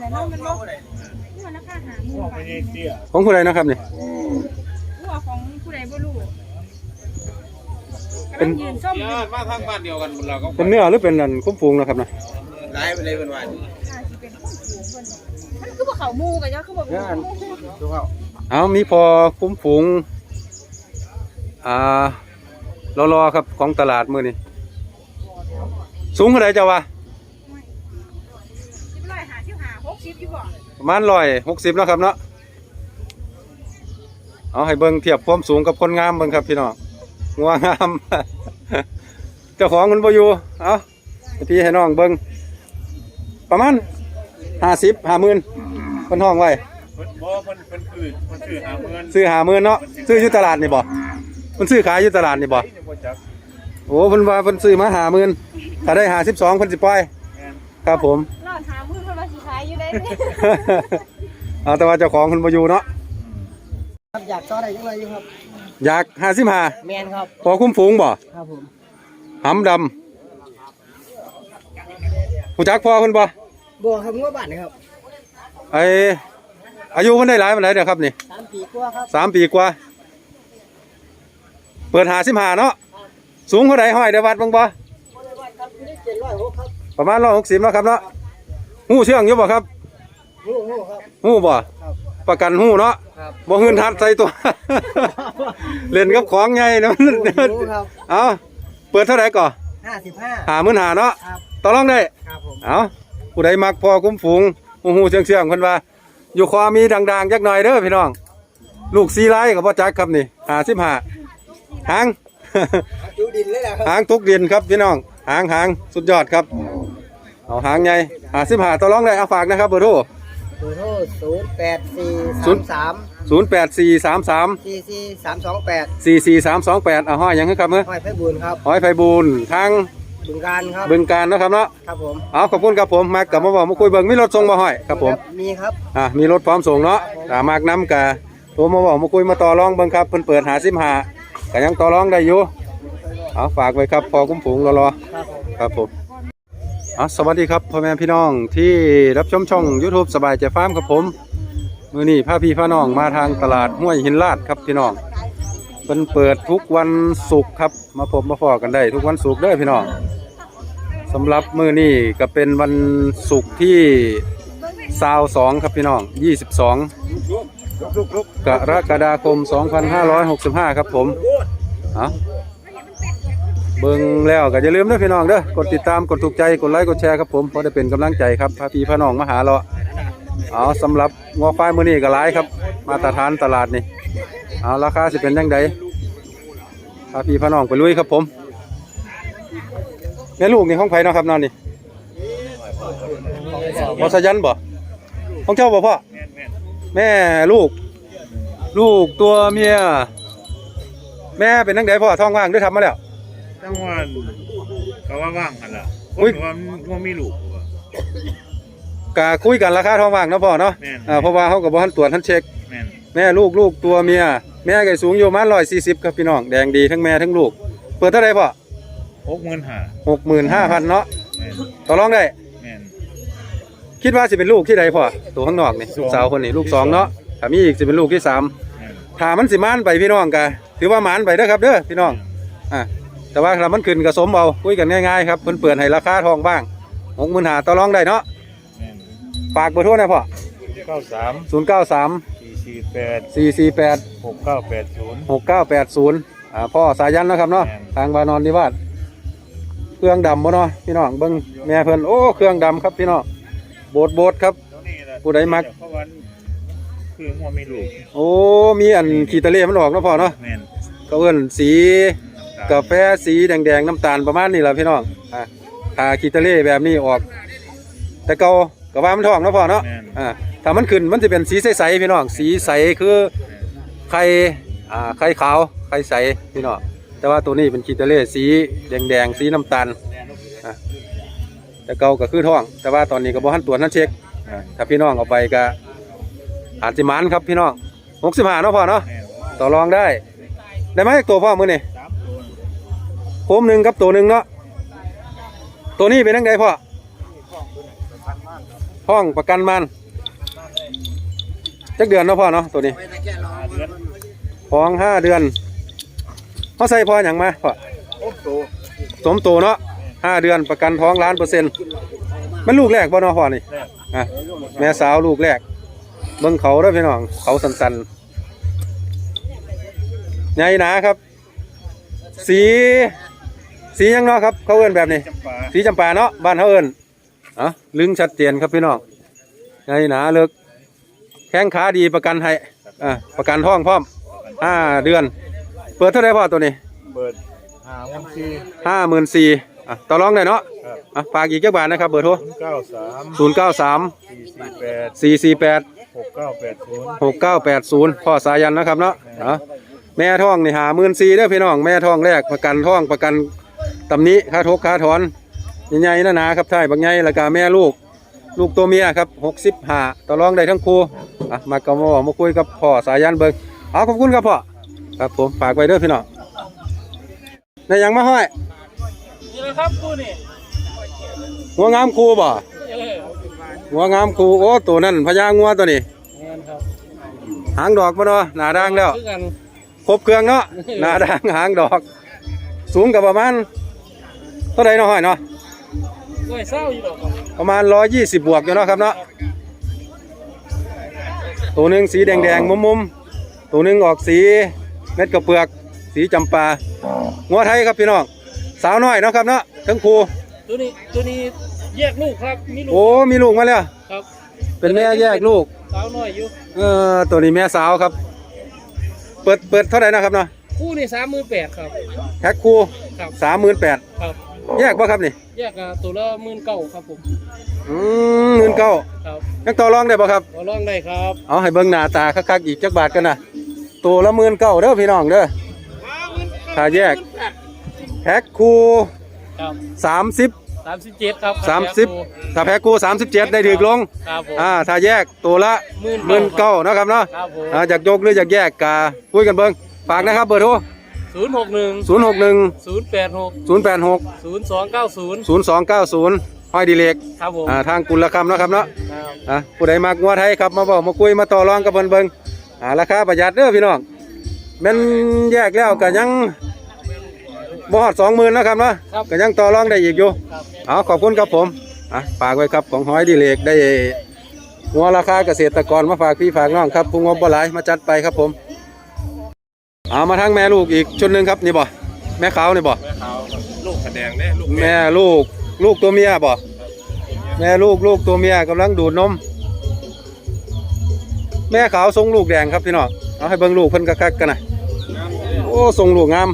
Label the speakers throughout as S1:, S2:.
S1: อะไรเนาะมันลบนี่มันราคาหาหมู่บาท
S2: ของผู้ใดนะครับนี่
S1: หัวของผู้ใดบ่รู้
S2: เป็น
S1: ยืนส้ม
S3: มาทางบ้านเดียวกันเราก็
S2: เป็นเนื้อหรือเป็นอันคุ้มฟูงนะครับนะ
S3: ไล่ไปเลยเป็นวัน
S1: สิเป็นคนฝูงเพิ่นมันคือบ่เข้าหมู่กันจ้ะคือบ่
S3: ดูเขา
S2: เอามีพอคุ้มฟูงรอครับของตลาดมื้อนี้สูงเท่าไหร่เจ้าวะ
S1: 60อยู่บ่
S2: ประมาณ160นะครับเนาะเอาให้เบิ่งเทียบความสูงกับคนงามเบิ่งครับพี่น้องงัวงาม เจ้าของมันบ่อยู่เอาพี่ให้น้องเบิ่งประมาณ50-50,000เพิ่นห้องไว้
S3: บ่เพิ่น
S2: ซื้อ50,000เนาะซื้ออยู่ตลาดนี่บ่เพิ่นซื้อขายอยู่ตลาดนี่บ่โอ้เพิ่นว่าเพิ่นซื้อมา50,000ถ้าได้52เพิ่นสิปล่อยครับผม
S1: รอดหามื้อเพิ่นว่าสิขายอยู่ได้
S2: เอาแต่ว่าเจ้าของเพิ่นบ่อยู่เนาะ
S4: ครับอยากต่อได้จังไดอยู่ครับ
S2: อยาก55
S4: แม่นครับ
S2: พอคุ้มฝูงบ่
S4: ครับผม
S2: หำดำผู้จักพ่อเพิ่นบ่
S4: บ่ครับงัวบ้านครับ
S2: อายุเพิ่นได้หลายปานใดเด้อครับนี่
S4: 3 ปีกว่าครับ
S2: 3 ปีกว่าเปิด55เนาะสูงเท่าใดห้อยได้วัดบ้างบ่ประมาณ160เนาะครับเนาะหู้เชื่องอยู่บ่ครับ
S4: ฮู้ครับ
S2: หู้บ่ประกันหู้เนาะบ่หืนทัดใส่ตัว เล่นกับของใหญ่เนาะเอาเปิดเท่าไหร่ก่อ55,000เนาะต่อรองได้
S4: ครับผม
S2: เอาผู้ใดมักพอคุ้มฝูงหู้เชื่องเพิ่นว่าอยู่คอมีดังๆจักหน่อยเด้อพี่น้องลูก4ลายก็บ่จักครับนี่55หาง
S4: จุดินเลยล่ะครับ
S2: หางทุกดินครับพี่น้องหางสุดยอดครับเอาหางใหญ่55ต่อรองได้เอาฝากนะครับเบอร์โทร
S4: 08433
S2: 4432844328เอาห้อยหยังครับมื้อ
S4: ห้อยไผบุญครับ
S2: ห้อยไผบุญทาง
S4: บึงการครับ
S2: บึงการเนาะครับเนาะ
S4: ครับผม
S2: เอาขอบคุณครับผมมากลับมาบอกมาคุยเบิ่งมีรถส่งบ่ห้อยครับผม
S4: มีครับ
S2: มีรถพร้อมส่งเนาะมากน้ำกะโทรมาบอกมาคุยมาต่อรองเบิ่งครับเพิ่นเปิด55ก็ยังต่อรองได้อยู่เอาฝากไว้ครับพอคุ้มฝูงรอครับผมสวัสดีครับพ่อแม่พี่น้องที่รับชมช่อง YouTube สบายใจฟาร์มครับผมมื้อนี้พาพี่พาน้องมาทางตลาดห้วยหินลาดครับพี่น้องเพิ่นเปิดทุกวันศุกร์ครับมาพบมาพอกันได้ทุกวันศุกร์เด้อพี่น้องสำหรับมื้อนี้ก็เป็นวันศุกร์ที่22ครับพี่น้อง22กรกฎาคม2565ครับผมเบิ่งแล้วก็อย่าลืมเด้อพี่น้องเด้อกดติดตามกดถูกใจกดไลค์กดแชร์ครับผมเพราะได้เป็นกำลังใจครับพาพี่พาน้องมาหาเราสำหรับงัวควายมื้อนี้ก็หลายครับมาตรฐานตลาดนี่ราคาสิเป็นจังไดพาพี่พาน้องไปลุยครับผมแม่ลูกนี่ของไผเนาะครับนอนนี่บ่สยันบ่ของเจ้าบ่พ่อแม่ลูกตัวเมียแม่เป็นจังไดพ่อท้องว่างหรือทำมาแล้ว
S3: ทั้งวันก็ว่างกันล่ะคุยว่ามีลูก
S2: กะคุยกันราคาท้องว่างเนาะพ่อเนาะเพราะว่าเขากับบ่ทันตรวจทันเช็คแม่ลูกตัวเมียแม่ก็สูงอยู่ประมาณ140ครับพี่น้องแดงดีทั้งแม่ทั้งลูกเปิดเท่าไหร่พ่อ65,000เนาะต่อรองได้คิดว่าสิเป็นลูกที่ใดพ่อตัวข้างนอกนี่ลูกสาวคนนี้ลูก2เนาะถ้ามีอีกสิเป็นลูกที่3ถ้ามันสิมานไปพี่น้องกะถือว่ามานไปเด้อครับเด้อพี่น้องแต่ว่าถ้ามันขึ้นกระสมเอาคุยกันง่ายๆครับเพิ่นเปิดให้ราคาทองบ้าง65,000ต่อรองได้เนาะฝากเบอร์โทรหน่อยพ่อ093 448 6980พ่อสายันนะครับเนาะทางวานอนนิวาสเครื่องดำบ่เนาะพี่น้องเบิ่งแม่เพิ่นโอ้เครื่องดำครับพี่น้องโบดครับผู้ใดมัก
S3: คือหัวมีลูก
S2: โอ้มีอันขีตะเลมันออกเนาะพ่อเนาะเขาเอิ้นสีกาแฟสีแดงน้ำตาลประมาณนี้แหละพี่น้องถ้าขีตะเล่แบบนี้ออกแต่เก่าก็ว่ามันทองเนาะพ่อเนาะถ้ามันขึ้นมันจะเป็นสีใสๆพี่น้องสีใสคือไข่ขาวไข่ใสพี่น้องแต่ว่าตัวนี้เป็นขีตะเล่สีแดงสีน้ำตาลแต่เก่าก็คือทองแต่ว่าตอนนี้ก็บ่ทันตรวจทันเช็คถ้าพี่น้องเอาไปก็อาจจะมันครับพี่น้อง65เนาะพ่อเนาะต่อรองได้ไหมตัวพ่อมือนี่โคมหนึ่งกับตัวหนึ่งเนาะตัวนี้เป็นยังไงพ่อท้องประกันมันจักเดือนเนาะพ่อเนาะตัวนี้
S3: 5 เดือน
S2: ท้อง5 เดือนเขาใส่พ่ออย่างมาพ่อ
S4: โอ้โห
S2: สมโตเนาะ5 เดือนประกันท้อง1,000,000มันลูกแรกบ่เนาะพ่อนี่
S3: แรก
S2: อ่ะแม่สาวลูกแรกเบิ่งเขาเด้อพี่น้องเขาสันๆใหญ่หนาครับ สีหยังเนาะครับเขาเอิ้นแบบนี้
S3: จำปา
S2: สีจำปาเนาะบ้านเขาเอิ้นอ่ะลึงชัดเจนครับพี่น้องใหญ่หนาเลิกแข้งขาดีประกันให้ประกันท้องพร้อม5 เดือน เปิดเท่าไหร่พ่อตัวนี้
S3: เปิด54,000
S2: 54,000ต่อรองได้เนาะ
S3: ครับ
S2: ฝากอีกจักบาทนะครับเบอร์โทร
S3: 093
S2: 093
S3: 448
S2: 448
S3: 6980
S2: 6980พ่อสายันนะครับเนาะแม่ท้องนี่54,000เด้อพี่น้องแม่ท้องแรกประกันท้องประกันตำหนิค่าทกค่าถอนใหญ่ๆหนาๆครับท้ายบักใหญ่แล้วก็แม่ลูกตัวเมียครับ65ต่อรองได้ทั้งคู่มาก็มาคุยกับพ่อสายันเบิ่งเอาขอบคุณครับพ่อครับผมฝากไว้เด้อพี่น้องในยังมาห้อย
S1: นี่เลยครับกูนี่
S2: หัวงามคูบ่หัวงามคูโอ้ตัวนั้นพญางัวตัวนี้
S1: แม่นครับ
S2: หางดอกบ่เนาะหน้าด่างแล้ว
S1: คือกัน
S2: ครบเครื่องเนาะหน้าด่างหางดอก สูงกับประมาณเท่าไหร่เนาะห้อยเนาะ
S1: ด้วยเศร้าอยู่ดอกครับ
S2: ประมาณ120บวกอยู่เนาะครับเนาะตัวหนึงสีแดงๆมุมๆตัวหนึงออกสีเม็ดกระเปลือกสีจำปางัวไทยครับพี่น้องสาวน้อยเนาะครับเนาะทั้งครู
S1: ตัวนี้แยกลูกครับมีลูก
S2: โอ้มีลูกมาแล้ว
S1: ครับ
S2: เป็นแม่แยกลูก
S1: สาวน้อยอยู่
S2: ตัวนี้แม่สาวครับ เปิดเท่าไหร่นะครับเนาะ
S1: คู่นี่38,000ครับ
S2: แพ็คคู่
S1: ครับ
S2: 38,000
S1: ครับ
S2: แยกป่ะครับนี่
S1: แยกตัวละ19,000ครับผม
S2: 19,000
S1: ครับ
S2: ยังต่อรองได้ป่ะครับ
S1: ขอลองได้ครับ
S2: เอาให้เบิ่งหน้าตาคักๆอีกจักบาทกันนะตัวละ19,000เด้อพี่น้องเด้อถ้าแยกแพ็คคู่
S1: ครับ
S2: 30
S1: 37ครับ
S2: 30ถ้าแพ็คคู่37ได้ถึกลง
S1: ครับผม
S2: ถ้าแยกตัวละ19,000นะครับเนาะ
S1: ครับผม
S2: อยากยกหรืออยากแยกกะคุยกันเบิ่งฝากนะครับเบอร์โทร
S1: 061
S2: 061
S1: 086
S2: 086
S1: 0290
S2: 0290ห้อยดีเล็ก
S1: ครับผม
S2: ทางกุลคำเนาะครับเนาะ
S1: ครับ
S2: ผู้ใดมักงัวไทยครับมาบอกมาคุยมาต่อรองกับเบิ่งราคาประหยัดเด้อพี่น้องแม่นแยกแล้วก็ยังบ่ฮอด 20,000นะครับเนาะก็ยังต่อรองได้อีกอยู่
S1: ครับ
S2: ขอบคุณครับผมฝากไว้ครับของห้อยดีเล็กได้งัวราคาเกษตรกรมาฝากพี่ฝากน้องครับผู้งบบ่หลายมาจัดไปครับผมมาทางแม่ลูกอีกชุดหนึงครับนี่บ่แม่ขาวนี่บ่
S3: ลูกแสดงเนี่ยลูก
S2: แม่ลูกตัวเมียบ่แม่ลูกตัวเมียกำลังดูดนมแม่ขาวทรงลูกแดงครับพี่น้องเอาให้เบิ่งลูกเพิ่นคักๆกันนะโอ้ทรงลูกงาม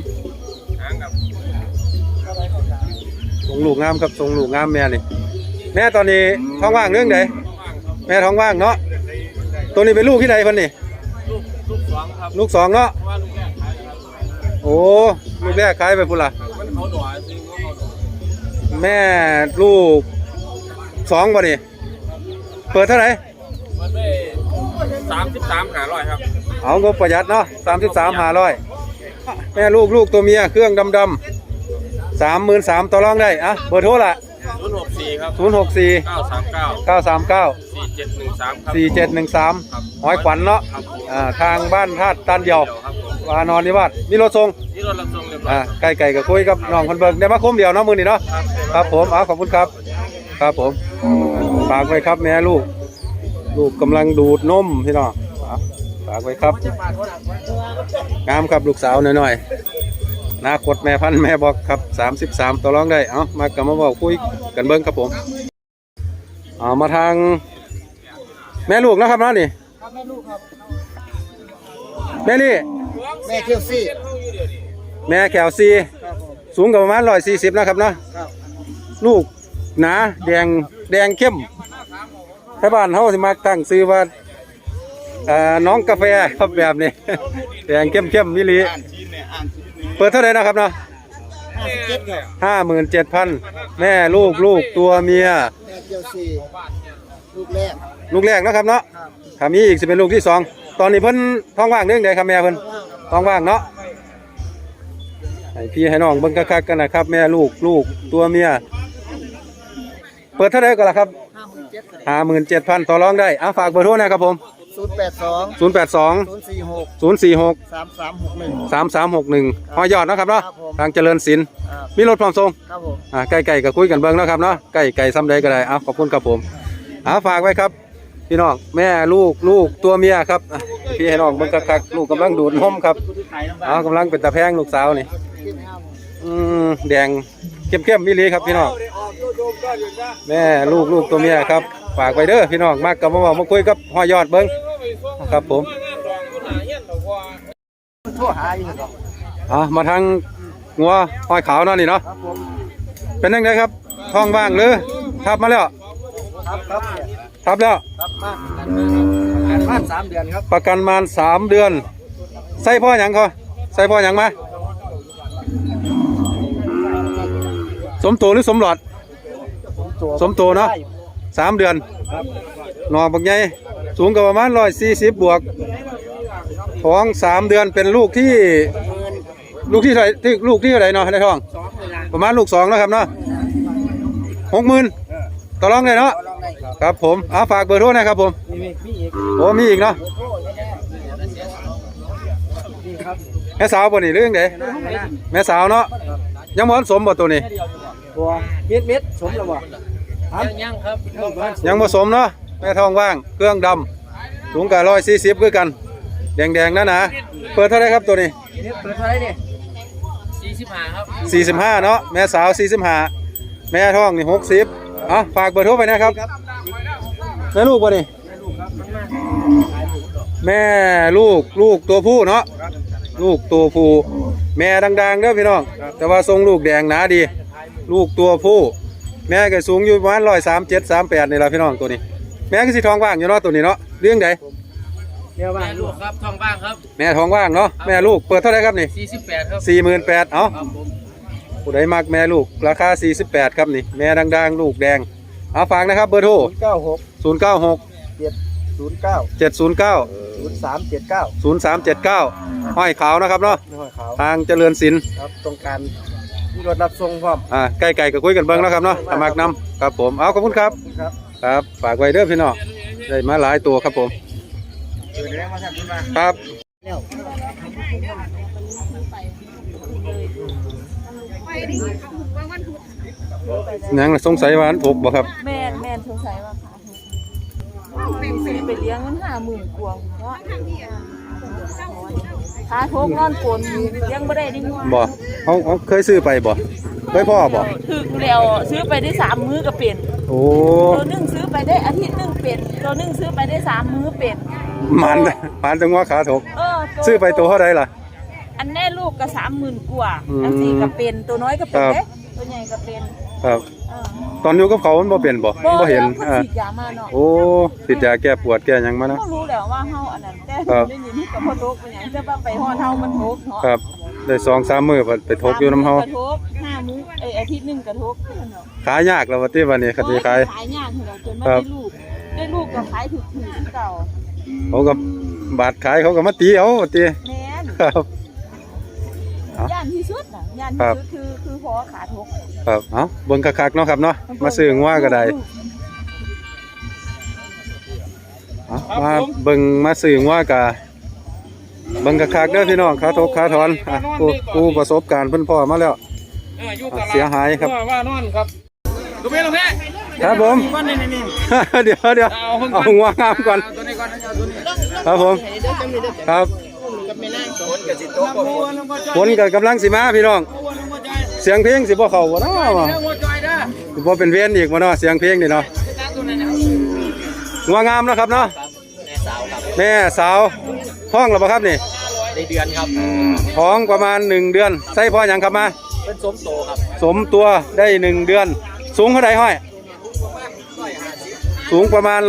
S2: ทรงลูกงามครับทรงลูกงามแม่นี่แม่ตอนนี้ท้องว่างเรื่องใดแม่ท้องว่างเนาะตัวนี้เป็นลูกที่ใดเพิ่นนี่
S1: ลูก2ครับ
S2: ลูกสองเนาะ
S1: ว่าลูกแรกขายครับ
S2: โอ้ลูกแรกขายไปพุ่นล่ะ
S1: มันเขาหน่อยจริงเขาหน่อย
S2: แม่ลูกสองบ่นี่เปิดเท่าไหร่
S1: มันได้33,500ครับ
S2: เอางบประหยัดเนาะ33,500แม่ลูกตัวเมียเครื่องดำ 33,000ต่อรองได้เบอร์โทรละ
S1: 064ครับ
S2: 064
S1: 939
S2: 939
S1: 4713ครับ
S2: 4713หอยขวัญเนาะทางบ้านธาตุตันเดียว
S1: ครับผม
S2: วานอนนิวาสมีรถส่ง
S1: นี่รถรับส่งเรียบร้อย
S2: ไก่กับคุยกับน้องคนเบิงได้มาคมเดียวเนาะมือนี่เนาะครับผมขอบคุณครับครับผมฝากไว้ครับแม่ลูกกำลังดูดนมพี่น้องฝากไว้ครับงามครับลูกสาวหน่อยๆอนาคตแม่พันธุ์แม่บอกครับ33ต่อรองได้มากับมาบอกคุยกันเบิ้งครับผมมาทางแม่ลูกนะครับเนาะนี่
S1: ครับแม่ลูกครับ
S2: แม่นี่
S4: แม่เที่ยวซี่
S2: แม่แขวซีสูงกับประมาณ140นะครับเนาะลูกหนาแดงเข้มให้บ้านเขาสิมาตั้งซื้อว่าน้องกาแฟครับแบบนี้ แดงเข้มมิลีเปิดเท่าไหร่นะครับเนาะ
S4: 57ครับ
S2: 57,000แม่ลูกตัวเมีย
S4: แม่เที่ยวซี่ลูกแรก
S2: ลูกแรกนะครับเนาะ
S4: ครับ
S2: ถ้ามีอีกจะเป็นลูกที่2ตอนนี้เพิ่นท้องว่างเรื่องใดครับแม่เพิ่นท้องว่างเนาะให้พี่ให้น้องเบิ่งคักๆกันนะครับแม่ลูกตัวเมียเปิดเท่าไหร่ก็ล่ะครับ 57,000ต่อรองได้เอาฝากเบอร์โทรนะครับผม
S4: 082
S2: 082
S4: 046
S2: 046
S4: 3361
S2: 3361หอยอดนะครับเนาะ
S4: ครับผม
S2: ทางเจริญศิลป์มีรถพร้อมส่ง
S4: ครับผม
S2: ใกล้ๆก็คุยกันเบิ่งเนาะครับเนาะใกล้ๆซ้ำใดก็ได้เอาขอบคุณครับผมฝากไว้ครับพี่น้องแม่ลูกตัวเมียครับพี่ให้น้องเบิ่งคักๆลูกกำลังดูดนมครับกำลังเป็นตาแพงลูกสาวนี่แดงเข้มๆมิลีครับพี่น้องแม่ลูกตัวเมียครับฝากไว้เด้อพี่น้องมากกับมาคุยกับหอยอดเบิ่งครับผมมาทางงัวหอยขาวเนาะนี่เนาะเป็นยังไงครับท้องว่างหรือทับมาแล้วทับแล้ว
S4: ครับมาบ้าน3 เดือนครับ
S2: ประกันมา3 เดือนใส่พ่อหยังเขาใส่พ่อหยังมาสมโตหรือสมหลอดสมโตเนาะ3 เดือนหนอบักใหญ่สูงกับประมาณ140 บวกท้อง3 เดือนเป็นลูกที่เท่าไหร่ลูกที่เท่าไหร่เนาะในท้องประมาณลูก2แล้วครับเนาะ60,000ต่อรองเลยเนาะครับผมฝากเบอร์โทรนะครับผมมีอีกเนาะแม่สาวบ่นี่เรื่องเด้แม่สาวเนาะยังบ่สมบ่ตัวนี้
S4: ตัวเม็ดสมแล้วบ่ยังครับ
S2: ยังบ่สมเนาะแม่ท้องว่างเครื่องดำสูงกับ140คือกันแดงๆนั่นนะเปิดเท่าไหร่ครับตัวนี้
S4: เปิดเท่าไหร่นี่45ครับ
S2: 45เนาะแม่สาว45แม่ท้องนี่60ฝากเบอร์โทรไปนะครับแม่ลูกบ่นี่แม่ลูกตัวผู้เนาะลูกตัวผู้แม่ดังๆเด้อพี่น้องแต่ว่าทรงลูกแดงหนาดีลูกตัวผู้แม่ก็สูงอยู่ประมาณ137 38นี่ล่ะพี่น้องตัวนี้แม่ก็สิท้องว่างอยู่เนาะตัวนี้เนาะเรื่องใด
S4: เดี๋ยวว่าลูกครับท้องว่างครับ
S2: แม่ท้องว่างเนาะแม่ลูกเปิดเท่าไหร่ครับนี่
S4: 48ครับ
S2: 48,000เอาผู้ใดมักแม่ลูกราคา48ครับนี่แม่ดังๆลูกแดงเอาฝากนะครับเบอร์โทร096 709 0379ห้อยขาวนะครับเนาะทางเจริญศิลป์
S4: ครับตรงการมีรถรับส่งพร้อม
S2: ใกล้ๆก็คุยกันเบิ่งแล้วครับเนาะมักนำครับผมเอาขอบคุณครับครับฝากไว้เด้อพี่น้องได้มาหลายตัวครับผมครับยังสงสัยว่าอันถูกบ่ครับ
S1: แม่นสงสัยว่าซื้อไปเลี้ยงมัน50,000 กว่าเพราะขาโทกนอนกลนเลี้ยงบ่ได้ดิงัว
S2: บ่เขาเคยซื้อไปบ่เคยพ่อบ่
S1: ถึกแล้วซื้อไปได้3 มื้อก็เป็น
S2: โอ้
S1: ตัวนึงซื้อไปได้อาทิตย์นึงเป็นตัวนึงซื้อไปได้3 มื้อเป็น
S2: มันจังว่าขาถกซื้อไปตัวเท่าใดล่ะ
S1: อันแน่ลูกก็30,000 กว่าอัน4ก็เป็นตัวน้อยก็เป็นเด้ตัวใหญ่ก็เป็น
S2: ครับตอนอยู่กับเขามันบ่เปลี่ยนบ่เห็น
S1: ฉีดยามาเนาะ
S2: โอ้ฉีดยาแก้ปวดแก้หยังมาเนาะ
S1: ก็รู้แล้วว่าเฮาอันนั้นแต่ได้ยินที่กับพ่อทกเป็นหยังจะว่าไปฮอดเฮามันทกเนาะ
S2: ครับได้2-3 มื้อไปทกอยู่นำเฮาก
S1: ระทก5 มื้ออาทิตย์นึงกระทกเนาะ
S2: ขายยากแล้วว่าติวันนี้คันสิขาย
S1: ยากเนาะจนมาได้ลูกก็ขายถูกๆเก่า
S2: เขาก็บาทขายเขาก็มาตีเอาติ
S1: แม่น
S2: ครับ
S1: ย่านที่สุดน่ะย่านที่สุดคือพอขาทก
S2: ครับเบิ่งคักๆเนาะครับเนาะมาซื้องัวก็ได้มาเบิ่งมาซื้องัวก็เบิ่งคักๆเด้อพี่น้องขาทกขาถอนผู้ประสบการณ์เพิ่นพ่อมาแล้วเสียหายครับ
S3: ว่านอนครับลูกเพ่
S2: ครับผมเดี๋ยวเอางัวงามก่อนครับผมครับฝนกับกำลังสิมาพี่น้องเสียงเพลงสิบ่เข้าบ่เนาะสิบ่เป็นเวียนอีกบ่เนาะเสียงเพลงนี่เนาะงัวงามนะครับเนาะแม่สาวท้องแล้วบ่ครับนี่
S4: ได้เดือนครับ
S2: ท้องประมาณ1 เดือนใส่พ่อหยังครับมา
S4: เป็นสมโตครับ
S2: สมตัวได้1 เดือนสูงเท่าใดห้อยสูงประมาณ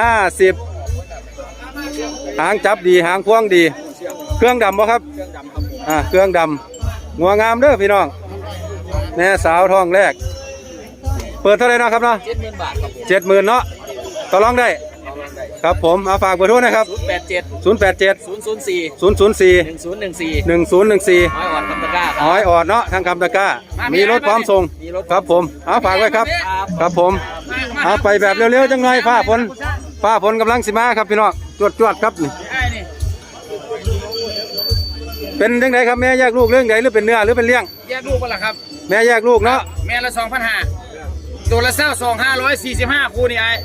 S2: 150หางจับดีหางพวงดีเครื่องดำบ่ครับเครื่องดำงัวงามเด้อพี่น้องแม่สาวท้องแรกเปิดเท่าไหร่นะครับเนาะ
S4: 70,000 บาทครับ
S2: 70,000เนาะต่อรองได้ครับผมฝากเบอร์โทรนะครับ
S4: 087
S2: 004 1014
S4: ห้อยออดคำตะกร้า
S2: ห้อยออดเนาะทางคำตะกร้ามีรถพร้อมส่งครับผมฝากไว้ครับครับผมเอาไปแบบเร็วๆจังหน่อยฟ้าฝนกำลังสิมาครับพี่น้องจวดครับนี่เป็นจังไดครับแม่แยกลูกเรื่องใดหรือเป็นเนื้อหรือเป็นเลี้ยง
S4: แยกลูกกันละครับ
S2: แม่แยกลูกเนาะ
S4: แม่ละ2,500ตัวละ22,545คู่นี่ไอ้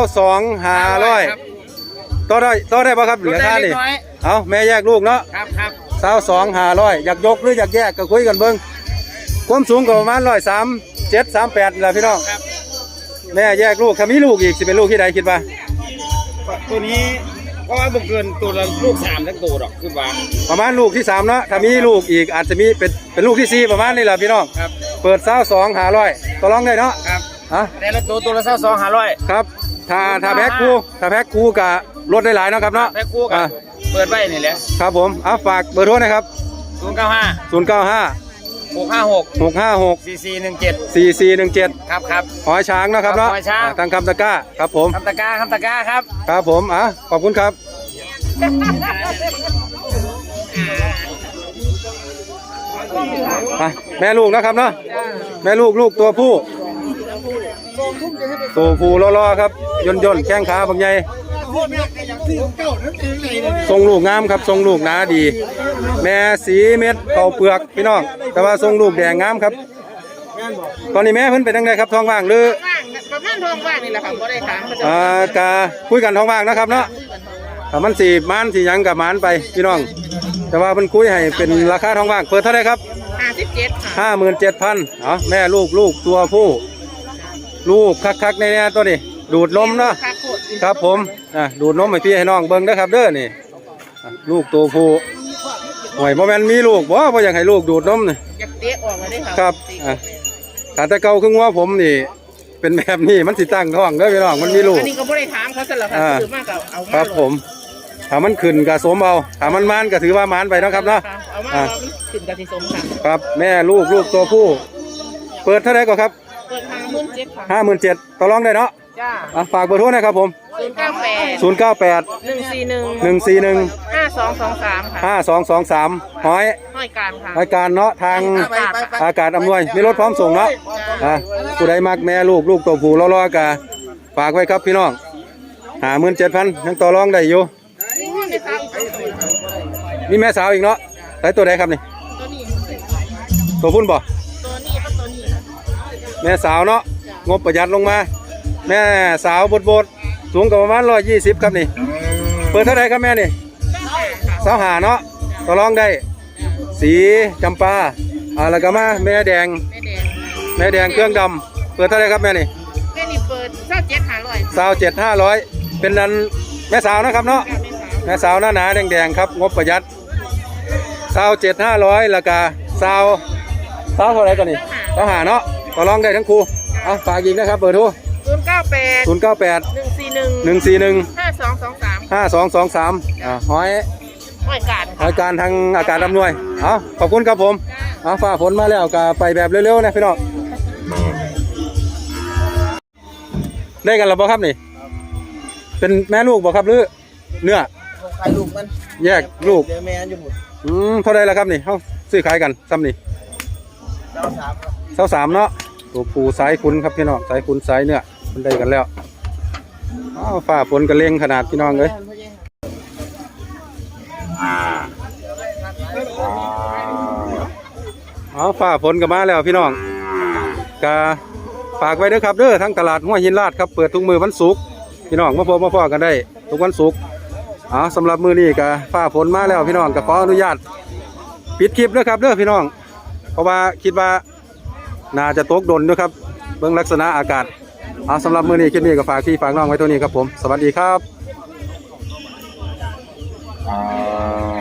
S2: 22,500ต่อได้ป่ะครับเหลือค่านี่
S4: น้อย
S2: เอาแม่แยกลูกเนาะ
S4: ครับ
S2: 22,500อยากยกหรืออยากแยกก็คุยกันเบิ่งความสูงก็ประมาณ137 38นี่ล่ะพี่น้อง
S4: ครับ
S2: แม่แยกลูกถ้ามีลูกอีกสิเป็นลูกที่ใดคิดว่า
S4: ตัวนี้เพราะว่าบ่เกินตัวละลูก3ทั้งตัวดอกคือว่า
S2: ประมาณลูกที่3เนาะถ้ามีลูกอีกอาจจะมีเป็นลูกที่4ประมาณนี้ล่ะพี่น้อง
S4: ครับ
S2: เปิด22,500ต่อรองได้เนาะ
S4: ครับ
S2: อ่ะ
S4: แต่ละตัวละ22,500
S2: ครับถ้าแพ็คคู่ก็ลดได้หลายเนาะครับเนาะ
S4: แพ็คคู่กั
S2: อ่ะ
S4: นเปิดไว้นี่แหละ
S2: ครับผมเอาฝากเบอร์โทรนะครับ
S4: 095
S2: 095
S4: 656
S2: 656
S4: 4417
S2: 4417
S4: ครับ
S2: หอยช้างเนาะครับเนาะ
S4: หอยช้าง
S2: ทางคำตะกร้าครับผม
S4: คำตะกร้าครับ
S2: ครับผมขอบคุณครับแม่ลูกนะครับเนาะแม่ลูกตัวผู้รอครับย่นแข้งขาบางใหญ่ทรงลูกงามครับทรงลูกหนาดี แม่สีเม็ดเข่าเปลือกพี่น้องแต่ว่าทรงลูกแดงงามครับตอนนี้แม่เพิ่นเป็นจังไดครับท้องว่างหรือ
S1: ประมาณทองว่างนี่แหละค่ะบ่ได้ถามเขาจะ
S2: กะคุยกันท้องว่างนะครับเนาะถ้ามันสีมันสีหยังกับมันไปพี่น้องแต่ว่าเพิ่นคุยให้เป็นราคาท้องว่างเปิดเท่าไหร่ครับ
S1: 57ค่ะ
S2: 57,000แม่ลูกตัวผู้ลูกคักๆในนี้ตัวนี้ดูดนมเนาะ
S1: ค่ะโคตร
S2: ครับผมดูดนมให้พี่ให้น้องเบิ่งนะครับเด้อนี่ลูกตัวผู้หวยบ่แม่นมีลูกบ่อยากให้ลูกดูดนมนี่
S1: อยากเตะออกมาได้ค่ะ
S2: ครับถ้าแต่เก่าคือว่าผมนี่เป็นแบบนี้มันสิตั้งท้องเด้อพี่น้องมันมีลูก
S1: อันนี้ก็บ่ได้ถามเขาซะแล้วค่ะถือมากก็เอามา
S2: ครับผมถ้ามันขึ้นก็สมเอาถ้ามันมันก็ถือว่ามันไปเนาะครับเนาะ
S1: เอามามันขึ้นกับที่สมค่ะ
S2: ครับแม่ลูกตัวผู้ เปิดเท่าไหร่ก็ครับ
S1: เปิด57,000ค่ะ
S2: 57,000ต่อรองได้เนาะ
S1: จ้า
S2: ฝากเบอร์โทรนะครับผม
S1: 098 141 5223ค่ะ
S2: 5223หอย
S1: ห้อยการค่ะ
S2: รายการเนาะทางอากาศอำนวยมีรถพร้อมส่งเนาะผู้ใดมักแม่ลูกตัวผู้รอๆกะฝากไว้ครับพี่น้อง57,000ยังต่อรองได้อยู่มีแม่สาวอีกเนาะใส่ตัวใดครับนี่
S1: ตัวนี้
S2: ตัวพุ่นบ่
S1: ตัวนี้ก็ตัวนี้
S2: แม่สาวเนาะงบประหยัดลงมา แม่สาวบดสูงกับประมาณ120ครับนี่เปิดเท่าไหร่ครับแม่นี่สาวหาเนาะต่อรองได้สีจำปาแล้วก็มาแม่แดง
S1: แม่แดง
S2: เครื่องดำเปิดเท่าไหร่ครับแม่นี่
S1: แม่นี่เปิด27,500
S2: 27,500เป็นนั้นแม่สาวนะครับเนาะแม่สาวหนาแดงครับงบประหยัด27,500แล้วก็สาวเท่าไหร่กันนี่สาวหาเนาะต่อรองได้ทั้งคู่ฝากอีกนะครับเบอร์โทร
S1: 098
S2: 098
S1: 141
S2: 141
S1: 5223
S2: หอย
S1: ห้อยการ
S2: รายการทางอากาศอำนวยขอบคุณครับผมฝ่าฝนมาแล้วก็ไปแบบเร็วๆนะพี่น้องได้กันหรือเปล่าครับนี่เป็นแม่ลูกบ่ครับหรือเนื้อ
S4: ขายลูกมัน
S2: แยกลูก
S4: เดี๋ยวแม่อยู่หมด
S2: เท่าไรแล้วครับนี่เขาซื้อขายกันซ้ำนี่23เนาะตัวปูสายคุณครับพี่น้องสายคุณสายเนื้อมันได้กันแล้วฝ่าฝนกระเลงขนาดพี่น้องเลยฝ่าฝนก็มาแล้วพี่น้องกะฝากไว้ด้วยครับเด้อทั้งตลาดห้วยหินลาดครับเปิดทุกมือวันศุกร์พี่น้องมาพบมาพอกันได้ทุกวันศุกร์สำหรับมือนี้กะฝ่าฝนมาแล้วพี่น้องก็ขออนุญาตปิดคลิปด้วยครับเด้อพี่น้องเพราะว่าคิดว่าน่าจะตกดนด้วยครับเบื้องลักษณะอากาศสำหรับมือนี้คลิปนี้ก็ฝากพี่ฝากน้องไว้ตัวนี้ครับผมสวัสดีครับ